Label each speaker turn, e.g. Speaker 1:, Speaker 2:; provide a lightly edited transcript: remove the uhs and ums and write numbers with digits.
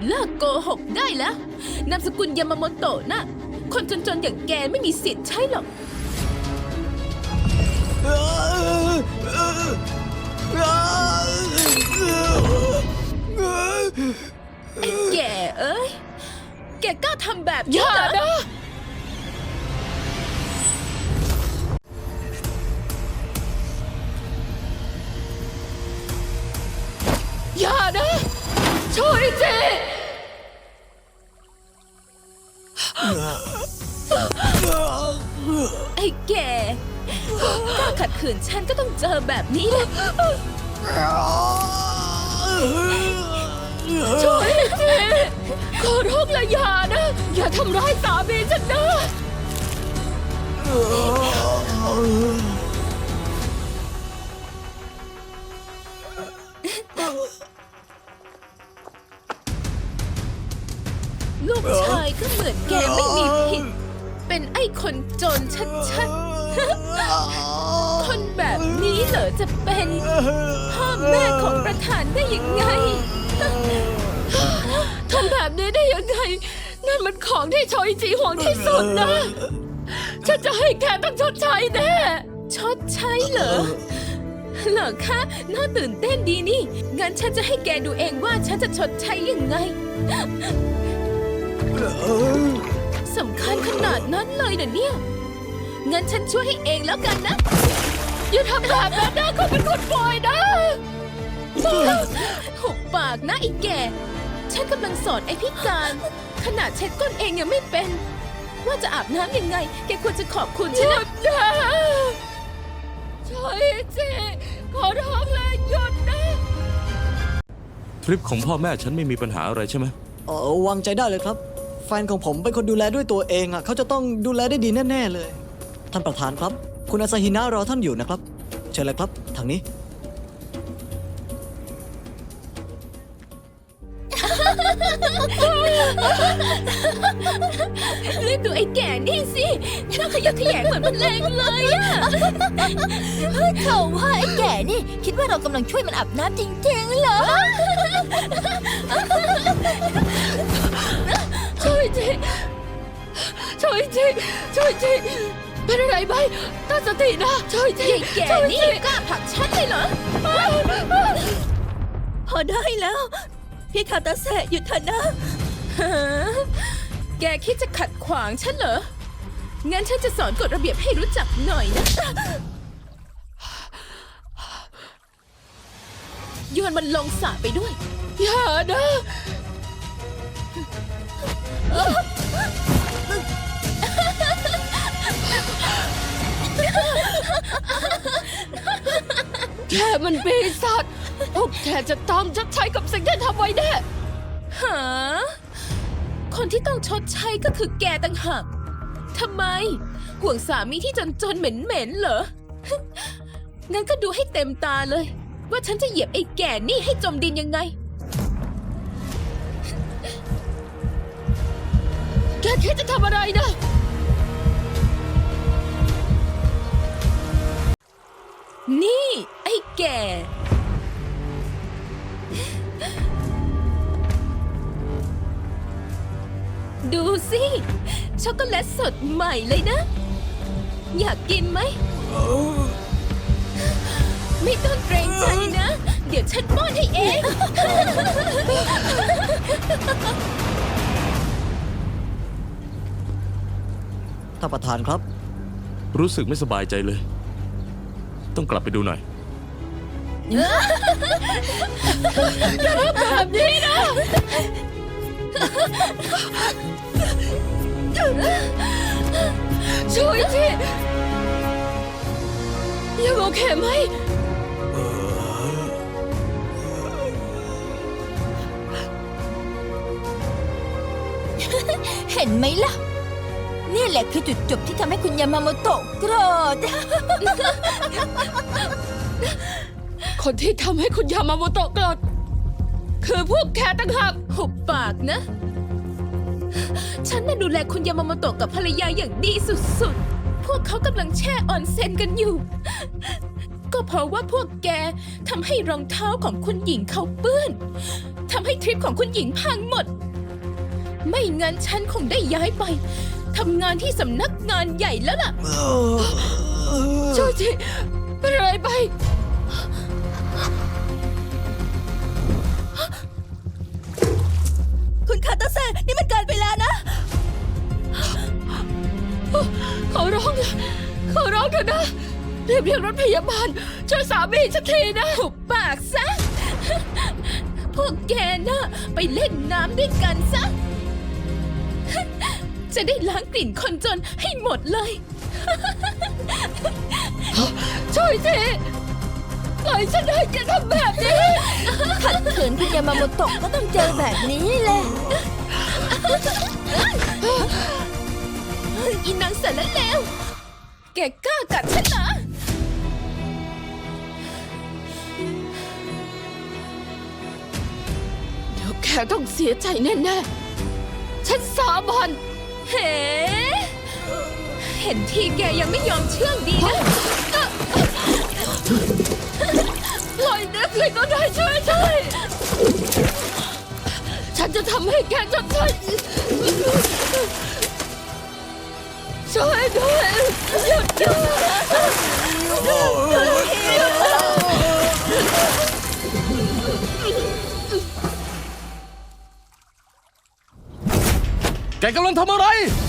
Speaker 1: เลิกโกหกได้แล้วนามสกุลยามาโมโตะน่ะคนจนๆอย่างแกไม่มีสิทธิ์ใช่หรอกไอ้แกเอ้ยแกกล้าทำแบบนี้เหรอนะอย่านะช่วยเจไอ้แกกล้าขัดขืนฉันก็ต้องเจอแบบนี้แหละช่วยเจขอร้องละอย่านะอย่าทำร้ายสามีฉันนะลูกชายก็เหมือนแกไม่มีผิดเป็นไอ้คนจนชัดๆคนแบบนี้เหรอจะเป็นพ่อแม่ของประธานได้ยังไงทำแบบนี้ได้ยังไงนั่นมันของที่ชอยจีห่วงที่สุดนะฉันจะให้แกต้องชดใช้แน่ชดใช้เหรอคะน่าตื่นเต้นดีนี่งั้นฉันจะให้แกดูเองว่าฉันจะชดใช้ยังไงสำคัญขนาดนั้นเลยนะเนี่ยงั้นฉันช่วยให้เองแล้วกันนะอย่าทำแบบนั้นนะเขาเป็นคนปล่อยนะหุบปากนะไอ้แกฉันกำลังสอนไอ้พิการขนาดเช็ดก้นเองยังไม่เป็นว่าจะอาบน้ำยังไงแกควรจะขอบคุณฉันนะช่วยเจขอร้องเลยหยุดนะ
Speaker 2: ทริปของพ่อแม่ฉันไม่มีปัญหาอะไรใช่ไหม
Speaker 3: วางใจได้เลยครับแฟนของผมเป็นคนดูแลด้วยตัวเองอ่ะเขาจะต้องดูแลได้ดีแน่ๆเลยท่านประธานครับคุณอาซาฮินะรอท่านอยู่นะครับเชิญเลยครับทางนี้
Speaker 1: รีบดูไอ้แก่นี่สิน่าขยะแขยงเหมือนมันแรงเลยอะ
Speaker 4: เขาว่าไอ้แก่นี่คิดว่าเรากำลังช่วยมันอาบน้ำจริงๆเหรอ
Speaker 1: ช่วยจีช่วยจีช่วยจีเป็นอะไรไหมตั้งสตินะช่วยจีแก่นี่กล้าผลักฉันเลยเหรอ
Speaker 4: พอได้แล้วพี่คาตาเซะหยุดเถอะนะ
Speaker 1: แกคิดจะขัดขวางฉันเหรองั้นฉันจะสอนกฎระเบียบให้รู้จักหน่อยนะโยนมันลงสระไปด้วยอย่านะแกมันปีศาจพวกแกจะต้องชดใช้กับสิ่งที่ทำไว้แน่หาคนที่ต้องชดใช้ก็คือแกต่างหากทำไมห่วงสามีที่จนๆเหม็นๆเหรองั้นก็ดูให้เต็มตาเลยว่าฉันจะเหยียบไอ้แก่นี่ให้จมดินยังไงแกคิดจะทำอะไรนะนี่ไอ้แก่ดูสิช็อกโกแลตสดใหม่เลยนะอยากกินไหมไม่ต้องเกรงใจนะเดี๋ยวฉันป้อนให้เอง
Speaker 3: ท่านประธานครับ
Speaker 2: รู้สึกไม่สบายใจเลยต้องกลับไปดูหน่อย
Speaker 1: อย่าทำแบบนี้นะช่วยทียังโอเคไหม
Speaker 4: เห็นไหมล่ะนี่แหละคือจุดจบที่ทำให้คุณยามาโมโตะโกรธ
Speaker 1: คนที่ทำให้คุณยามาโมโตะโกรธคือพวกแกต่างหากหุบปากนะฉันน่ะดูแลคุณยามาโมโตะกับภรรยาอย่างดีสุดๆพวกเขากำลังแช่ออนเซ็นกันอยู่ก็เพราะว่าพวกแกทำให้รองเท้าของคุณหญิงเขาเปื้อนททำให้ทริปของคุณหญิงพังหมด ไม่งั้นฉันคงได้ย้ายไปทำงานที่สำนักงานใหญ่แล้วล่ะโจจิเป็นอะไรไป
Speaker 4: คุณคาตาเซ่นี่มันเกินไปแล้วนะ
Speaker 1: ขอร้องนะขอร้องเถอะนะรีบเรียกรถพยาบาลช่วยสามีฉันทีนะหุบปากซะ พวกแกน่ะไปเล่นน้ำด้วยกันซะ จะได้ล้างกลิ่นคนจนให้หมดเลย ช่วยทีปล่อยฉันให้แกทำแบบนี้
Speaker 4: ขัดขืนคุณยามาโมโตะก็ต้องเจอแบบนี้แหละ
Speaker 1: อีนางเสร็จแล้วแล้ว แกกล้ากัดฉันเหรอ เดี๋ยวแกต้องเสียใจแน่ๆ ฉันสาบานเฮ้เห็นทีแกยังไม่ยอมเชื่องดีนะปล่อยเด็กเลยก็ได้ช่วยฉันจะทำให้แกจดใช้ช่วยด้วยหยุดด้วย
Speaker 2: แกกำลังทำอะไร